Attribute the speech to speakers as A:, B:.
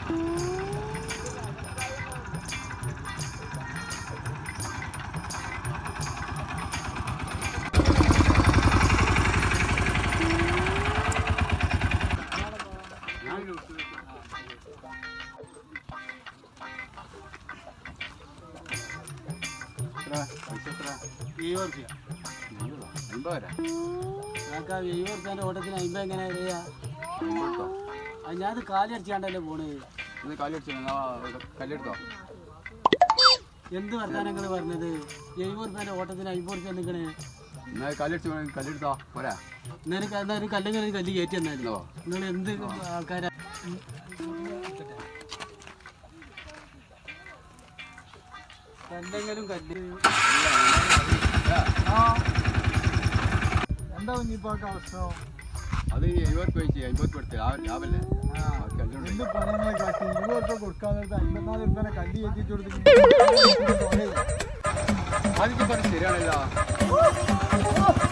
A: ഓട്ടത്തിന് 50 എങ്ങനെ അറിയാ? ഞാൻ കാലി അടിച്ചാണ്ടല്ലേ പോണ്. എന്ത് വർത്താനങ്ങൾ പറഞ്ഞത്? 70 റുപ്യന്റെ ഓട്ടത്തിന് 50 റുപ്യ നിൽക്കണേ. ഒരു കല്ലിങ്ങനെ കല്ല് കയറ്റി തന്നാലോ. നിങ്ങൾ എന്ത് ആൾക്കാരാ? കല്ലെങ്കിലും കല്ല് എന്താ കുഞ്ഞിപ്പാക്ക് അവസ്ഥ?
B: അത് 70 രൂപ 50 കൊടുത്ത് ലാഭല്ലേ?
A: എന്ത് പണങ്ങളെ കാട്ടി 20 രൂപ കൊടുക്കാൻ 54 രൂപ കല്ല് കയറ്റിട്ട് കൊടുത്തിട്ട്
B: ശരിയാണല്ലോ.